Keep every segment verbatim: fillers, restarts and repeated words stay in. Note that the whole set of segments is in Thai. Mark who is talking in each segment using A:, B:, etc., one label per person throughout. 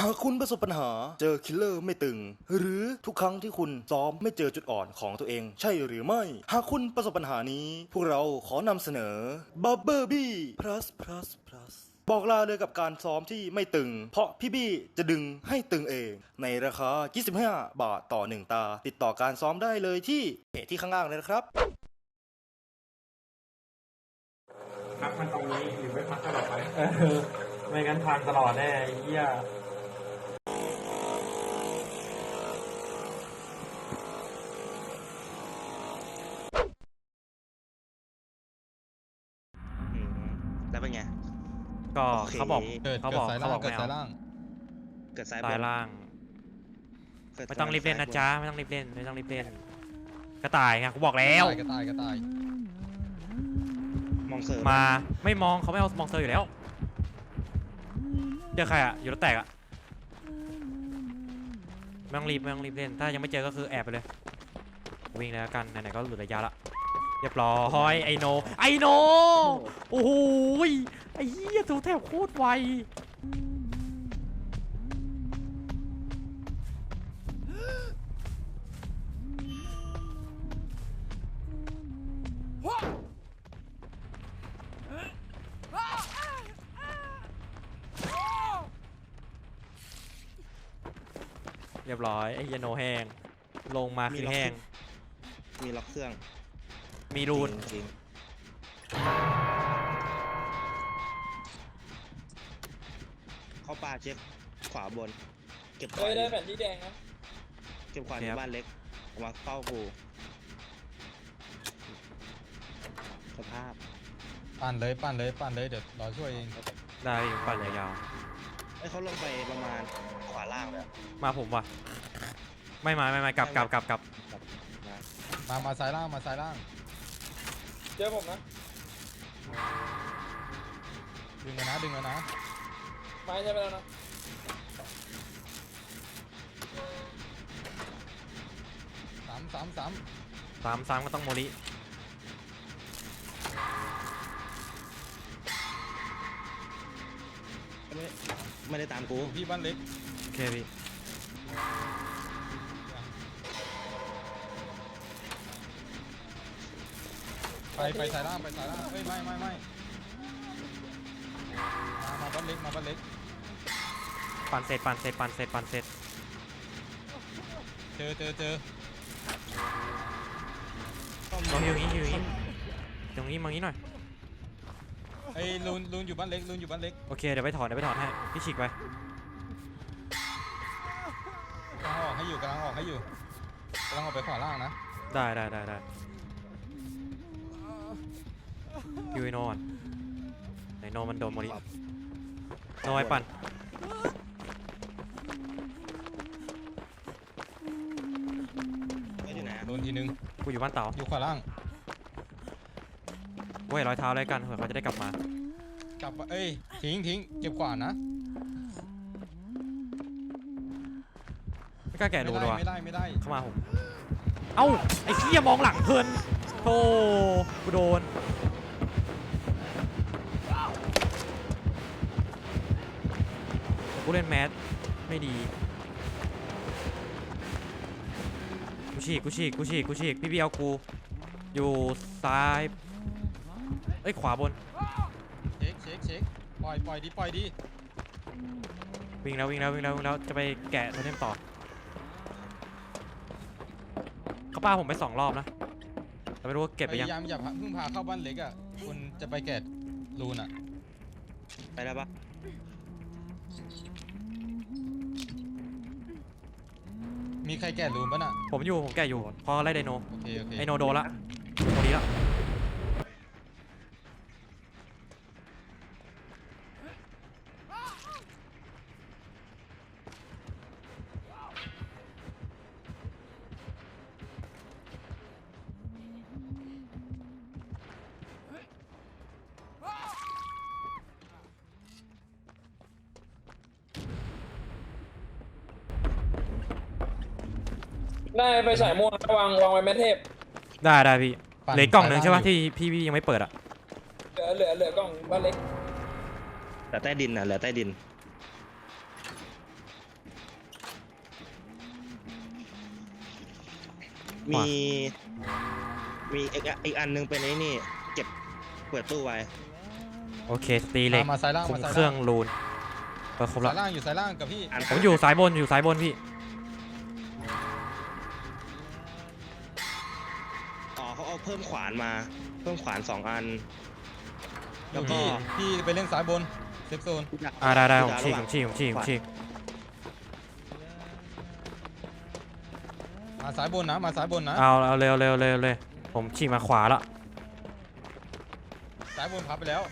A: หากคุณประสบปัญหาเจอคิลเลอร์ไม่ตึงหรือทุกครั้งที่คุณซ้อมไม่เจอจุดอ่อนของตัวเองใช่หรือไม่หากคุณประสบปัญหานี้พวกเราขอนำเสนอ Bubble Bee plus plus plus บอกลาเลยกับการซ้อมที่ไม่ตึงเพราะพี่บี้จะดึงให้ตึงเองในราคายี่สิบห้าบาทต่อหนึ่งตาติดต่อการซ้อมได้เลยที่เพจที่ข้างล่างเลยนะครับ
B: พักมันตรงนี้หรือไม่พักตลอดไปเออไม่งั้นพังตลอดแน่ไอ้เหี้ย
C: แล้วเป็นไง
B: ก็
C: โอเค
B: เขาบอก
D: เกิด
B: เขา
D: เกิ
B: บ
D: ด
B: อก
D: สาย
B: เขา
D: ล่าง
B: บอก
D: เกิด
B: ไม่
D: สา
B: เอา
D: ยล่าง
C: เกิดซ้ายบ
B: สาย
C: น
B: ล่าง
C: เกิด
B: ไม่ต้องรีบเล่นนะ
C: ซ้าย
B: จ๊ะไม่ต้องรีบเล่นไม่ต้องรีบเล่นกระต่ายไงกูบอกแล้ว
D: กระต่ายกระต่าย
C: มองเสริม
B: มาไม่มองเขาไม่เอามองเซอร์อยู่แล้วเจอใครอะอยู่รถแตกอะไม่ต้องรีบไม่ต้องรีบเล่นถ้ายังไม่เจอก็คือแอบไปเลยวิ่งแล้วกันไหนๆก็หลุดระยะละเรียบร้อยไอโนไอโนโอ้โหไอ้เหี้ยถูแทบโคตรไวเรียบร้อยไอ้เหี้ยโนแห้งลงมาคือแห้ง
C: มีล็อกเครื่อง
B: มีรูน
C: จริงๆเข้าป่าเช็คขวาบน เก็บข
E: เฮ้
C: วาย
E: ได้แผ่นที่แดงนะ
C: เก็บขวาในบ้านเล็กเอามาเฝ้ากูสภาพ
D: ปั่นเลยปั่นเลยปั่นเลยเดี๋ยวรอช่วยเอง
B: ได้ปั่นยาว
C: ไอ้ยเขาลงไปประมาณขวาล่างเลยอะ
B: ๆมาผมว่ะไม่มาไม่มากลับกลับกลับกลับ
C: มา
D: มามาซ้ายล่างมาซ้ายล่าง
E: เจอผมนะ
D: ดึงกันนะดึงกันนะ
E: ไม้ใช่ไปแล้วนะ
D: สามสามสาม
B: สามสามก็ต้องโมริ
C: ไม่ไม่ได้ตามกู
D: อยู่พี่บ้านเล็ก
B: โอเคพี่
D: ไปไปซ้ายล่างไปซ้ายล่างเฮ้ยไม่ไม่ไม่มามาบ้านเล็กมาบ้านเล็ก
B: ปั่นเสร็จปั่นเสร็จปั่นเสร็จปั่นเสร็จ
D: เจอเจอเจอ
B: มองอยู่อย่างนี้อยู่อย่างนี้ตรงนี้มองนี้หน่อย
D: ไอ้ลูนลูนอยู่บ้านเล็กลูนอยู่บ้านเล็ก
B: โอเคเดี๋ยวไปถอนเดี๋ยวไปถอนให้พี่ฉีกไป
D: กำลังออกให้อยู่กำลังออกให้อยู่กำลังออกไปขวาล่างนะ
B: ได้ได้ได้ได้ยูไอโนก่อนไอโนมันโดนโมริโนไอปั่น
C: ไม่อยู่ไหนอะ
D: ลูนทีนึง
B: กูอยู่บ้านเต๋า
D: อยู่ขวาล่าง
B: กูเห็นรอยเท้าอะไรกันเผื่อเขาจะได้กลับมาก
D: ลับมาเอ้ยทิ้งทิ้งเก็บขวานนะ
B: ไม่กล้าแกะ
D: ไม่
B: รู
D: ได้
B: เลยว่ะ
D: ไม่ได้ไม่ได้
B: เข้ามาผมเอ้าไอ้เหี้ยมองหลังเพลินโธ่กูโดนกูเล่นแมสไม่ดีกูฉีกกูฉีกกูฉีกกูฉีกพี่เบียวกูอยู่ซ้ายเอ้ยขวาบน
D: เช็คเช็คเช็คปล่อยปล่อยดิปล่อยดิ
B: วิ่งแล้ววิ่งแล้ววิ่งแล้ววิ่งแล้วจะไปแกะโทเทมต่อเขาป้าผมไปสองรอบนะแต่ไม่รู้ว่าเก็บไป
D: พ
B: ยัง
D: ยายามอย่าเพิ่งพาเข้าบ้านเล็กอ่ะคุณจะไปแกะลูนอ่ะ
C: ไปแล้วปะ
D: มีใครแกะลูนป่ะน่ะ
B: ผมอยู่ผมแกะอยู่เพราะไล่ไดโน
D: โอเคโอเค
B: ไอโนโดนละโมดีละ
E: ได้ไปฉายม่วงวางวางไว้แม่เทพ
B: ได้ได้พี่
D: ปั่น
B: เหลือกล่องหนึ่ง
D: ซ้าย
B: ใช่ปะ
D: ล่าง
B: ที่พี่พี่ยังไม่เปิดอ่ะ
E: เหลือเหลือเหลือกล่องบ้านเล็ก
C: เหลือใต้ดินอ่ะเหลือใต้ดินมีมีอีกอ่ะอีกอันนึงเป็นไอ้นี่เก็บเปิดตู้ไว้
B: โอเคตีเหล็ก
D: มามาซ้ายล่าง
B: คุม
D: มาซ้าย
B: เครื่อง
D: ล่าง
B: รูนเปิดครบแล้
D: ซ้ายว ล่างอยู่ซ้ายล่างกับพี่
C: อัน
B: ผมอยู่สายบนอยู่สายบนพี่
C: อ๋อเขาเอาเพิ่มขวานมา เพิ่มขวานสองอัน
D: เดี๋
C: แล้
D: ยว
C: วก็
D: พี่พี่ไปเล่นซ้ายบนเซฟโซน
B: อ่าได้ได้ผม
C: ระ
B: ฉีก
C: ห
B: ผ
C: ว่าง
B: มฉีกผมฉีกผมฉีก
D: มาซ้ายบนนะมาซ้ายบนนะ
B: เอาเอาเร็วเร็วเร็วเลยผมฉีกมาขวาละ
D: ซ้ายบนพับไปแล้ว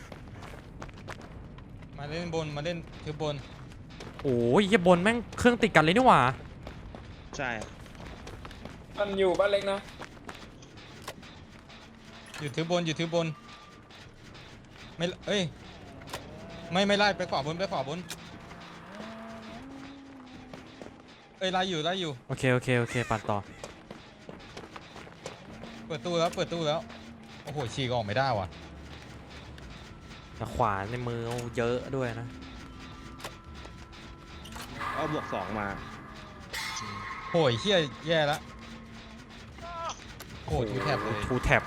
D: มาเล่นบนมาเล่นคือบน
B: โอ้ยเหี้ยบนแม่งเครื่องติดกันเลยนี่หว่า
C: ใช่
E: มันอยู่บ้านเล็กนะ
D: อยู่ถือบนอยู่ถือบนไม่เอ้ยไม่ไม่ไล่ไปขวาบนไปขวาบนเอ้ยไล่อยู่ไล่อยู่
B: โอเคโอเคโอเคปั่นต่อ
D: เปิดตู้แล้วเปิดตู้แล้วโอ้โหฉีกออกไม่ได้ว่ะ
B: แต่ขวาในมือเยอะด้วยนะ
C: เอาบวกสองมา
D: โหยเฮี้ยแย่ละโอ้โหทูแทบเลย
B: ทูแท็บ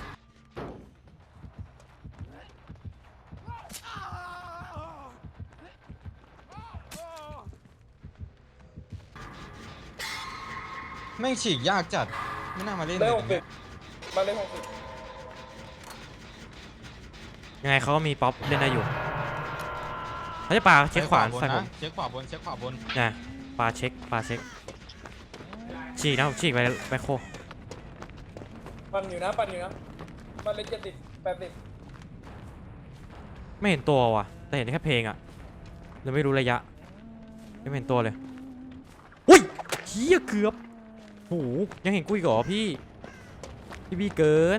D: แม่งฉีกยากจัดไม่น่ามาเล่น
E: ได้
D: เลย
E: หกสิบบ้านเล็กหกสิบ
B: ยังไงเขาก็มีป๊อปเล่นได้อยู่เขาจะปาเช็คขวาน
D: บน
B: ใส่ผ
D: นะ
B: ม
D: เช็คขวาบนเช็คขวาบน
B: นะปาเช็คปาเช็คฉีกนะผมฉีกไปไปโค
E: ปั่นอยู่นะปั่นอยู่นะบ้านเล็กเจ็ดสิบแปดสิบ
B: ไม่เห็นตัวว่ะแต่เห็นแค่เพลงอะเลยไม่รู้ระยะไม่เห็นตัวเลยอุ้ยเฮียเกือบโหยังเห็นกูอีกเหรอพี่พี่บีเกิน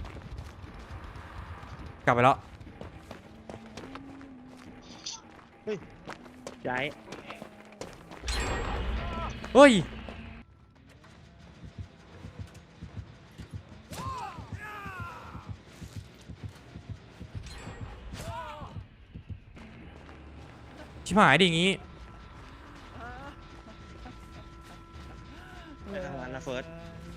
B: กลับไปแล้ว
C: ย้าย
B: เฮ้ยชิบหายดิอย่างงี้
C: ไปทำงานนะเฟิร์ส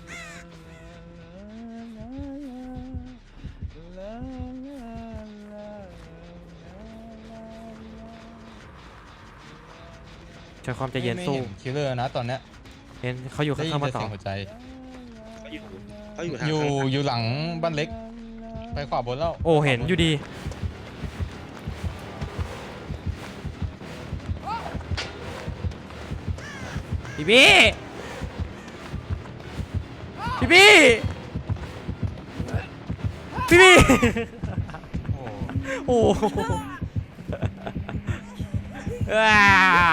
B: ใช้ความใจเย็นสู้
D: ไม่ห็คิลเลอร์นะตอนเนี้ย
B: เห็นเขาอยู่
D: ได้
B: ข้าง
D: ยิน
B: ๆมา
D: แต่
B: ต่อ
D: เสียงหัวใจ
C: เขาอยู่เขาอยู่ทาง
D: อยู่
C: ข้าง
D: อยู่หลังบ้านเล็ก ไปขวาบนแล้ว
B: โอ้เห็นอยู่ดีพี่บี้พี่บี้พี่บี้
D: โอ้โห
B: โอ้โหอ่า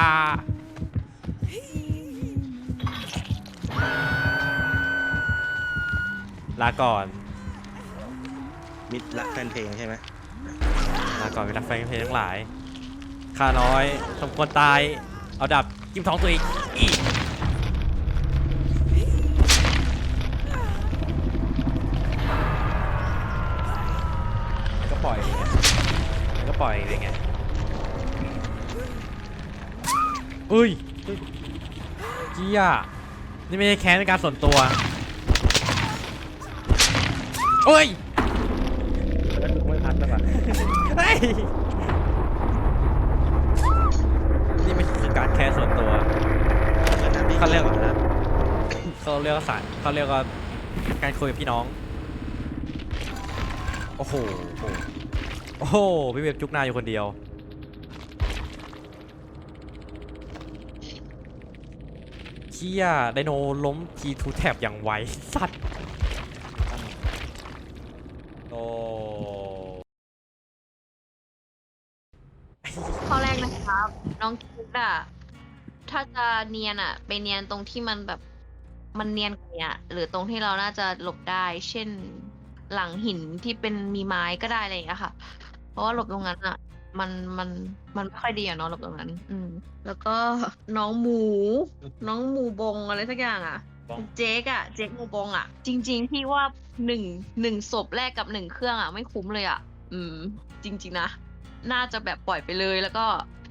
B: ลาก่อน
C: มิดละแฟนเพลงใช่ไหม
B: ลาก่อนเวลาแฟนเพลงทั้งหลายข้าน้อยสมควรตาย เอาดับจิ้มท้องตัวเองอีกมันก็ปล่อยอย่างเงี้ยมันก็ปล่อยอย่างเงี้ยเอ้ยเจี๊ยนี่ไม่ใช่แค้นในการส่วนตัวเอ้ย
C: แล้วไม่พัดแล้วป่ะ
B: เฮ้ยนี่ไม่คือการแค้นส่วนตัว เขาเรียก
C: นะ
B: เขาเรียกว่าสารเขาเรียกว่าการคุยกับพี่น้อง โอ้โห โอ้โห พี่เว็บจุกหน้าอยู่คนเดียว เชี่ยไดโนล้มทีทูแท็บอย่างไวสัตว์โอ้
F: ข้อแรกนะครับ น้องคิดอะถ้าจะเนียนอะไปเนียนตรงที่มันแบบมันเนียนกว่านี้หรือตรงที่เราน่าจะหลบได้ เช่นหลังหินที่เป็นมีไม้ก็ได้อะไรอย่างเงี้ยค่ะ เพราะว่าหลบตรงนั้นอะมันมันมันไม่ค่อยดีอะเนาะหลบตรงนั้น อืม แล้วก็น้องหมู น้องหมูบงอะไรสักอย่างอะ
B: บง
F: เจ๊กอะเจ๊กหมูบงอะจริง ๆ พี่ว่าหนึ่งหนึ่งศพแรกกับหนึ่งเครื่องอะไม่คุ้มเลยอะอืม จริง ๆนะ น่าจะแบบปล่อยไปเลยแล้วก็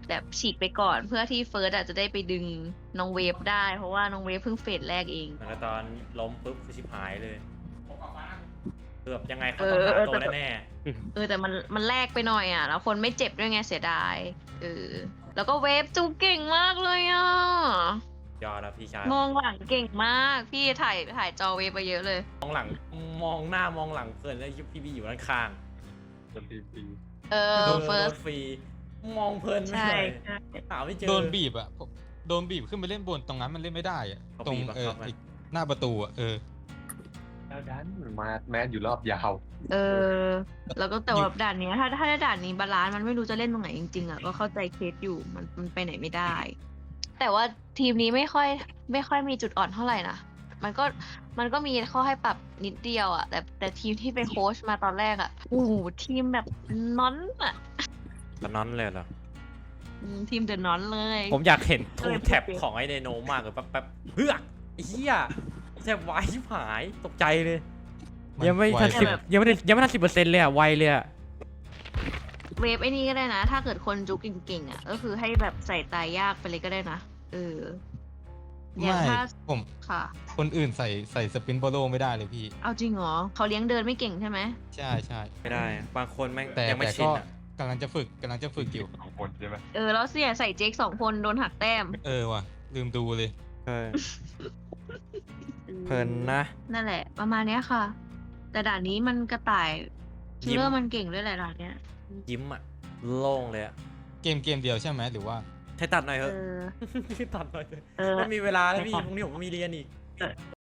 F: แบบฉีกไปก่อนเพื่อที่เฟิร์สอาจจะได้ไปดึงน้องเวฟได้ เพราะว่าน้องเวฟเพิ่งเฟสแรกเอง
B: แล้วตอนล้มปุ๊บคือชิบหายเลยเกือบยังไงเขา
F: เอ
B: ต้อง
F: อ
B: หา
F: เออ
B: ตัว
F: แต่
B: แน่
F: เออแต่มันมันแลกไปหน่อยอ่ะ แล้วคนไม่เจ็บด้วยไงเสียดายเออแล้วก็เวฟจูเก่งมากเลยอ่ะ
B: ๆยอดแล้วพี่ชาย
F: มองหลังเก่งมาก พี่ถ่ายถ่ายจอเวฟไปเยอะเลย
B: มองหลังมองหน้ามองหลังเพลินแล้วพี่พี่อยู่ด้านข้าง
F: เอ
B: โด
F: อน เฟิร์
B: โด
F: ส
B: นฟรีมองเพลินไม่
F: ใช่
B: เลย
F: ใช่
B: หาไม่เจอ
D: โดนบีบอ่ะผมโดนบีบขึ้นไปเล่นบนตรงนั้นมันเล่นไม่ได้อ่ะ
B: เขา
D: ตรง
B: บีบบัง
D: เออ
B: คับไหม
D: ไอ้หน้าประตูอ่ะเออ
G: แล้วดันมาแมนอยู่รอบยาว
F: เออ แล้วก็แต่ว่าด่านเนี้ยถ้าถ้าด่านนี้บาลานซ์มันไม่รู้จะเล่นตรงไหนจริงๆอ่ะก็เข้าใจเคสอยู่มันมันไปไหนไม่ได้ แต่ว่าทีมนี้ไม่ค่อยไม่ค่อยมีจุดอ่อนเท่าไหร่นะมันก็มันก็มีข้อให้ปรับนิดเดียวอ่ะแต่แต่ทีมที่ไปโค้ชมาตอนแรกอ่ะโอ้โหทีมแบบนอนอ่ะ
B: ตอนนั้นเลยเหรอ
F: อืมทีมเดอะนอนเลย
B: ผมอยากเห็น
F: เอ
B: ทู
F: อ
B: แท็บ
F: โอเค
B: ของไอเดโนมากเลยแป๊บแป๊บเฮือกไอ้เหี้ยแทบไวชิบหายตกใจเลย
D: มัน
B: ยังไม่
D: ไว
B: ทันสิบ
F: แบบ
B: ยังไม่ได้ยังไม่ทันสิบเปอร์เซ็นต์เลยอะไวเลยอะ
F: เวฟไอ้นี่ก็ได้นะ ถ้าเกิดคนจุกเก่งๆอ่ะ ก็คือให้แบบใส่ตายยากไปเลยก็ได้นะเอออย่าง
D: ไม่
F: ถ้า
D: ผม
F: ค่ะ
D: คนอื่นใส่ใส่สปินโบโลไม่ได้เลยพี่
F: เอาจริงเหรอเขาเลี้ยงเดินไม่เก่งใช่ไหม
D: ใช่ใช่
B: ไม่ได้ บางคนแม่ง
D: แต่
B: ยังไม่
D: แต่
B: ชิ
D: ก็
B: นอะ
D: กำลังจะฝึกกำลังจะฝึกอยู่
G: สองคนใช่ไหม
F: เออแล้วเสียใส่เจ๊กสองคนโดนหักแต้ม
D: เออว่ะลืมดูเลย
B: เออเพลินนะ
F: นั่นแหละ ประมาณเนี้ยค่ะ แต่ด่านนี้มันกระต่าย
B: ยิ้
F: คิล
B: ม
F: เลอร์มันเก่งด้วยแหละด่านเนี้ย
B: ยิ้มอะโล่งเลยอะ
D: เกมเกมเดียวใช่ไหมหรือว่า
B: ให้ตัดหน่อยเถ
F: เอ
B: อะ
F: อ
B: ตัดหน่อยเถอะ
F: เออ
B: ไม่มีเวลาแล้วพี่พรุ่งนี้ผมก็มีเรียนอีก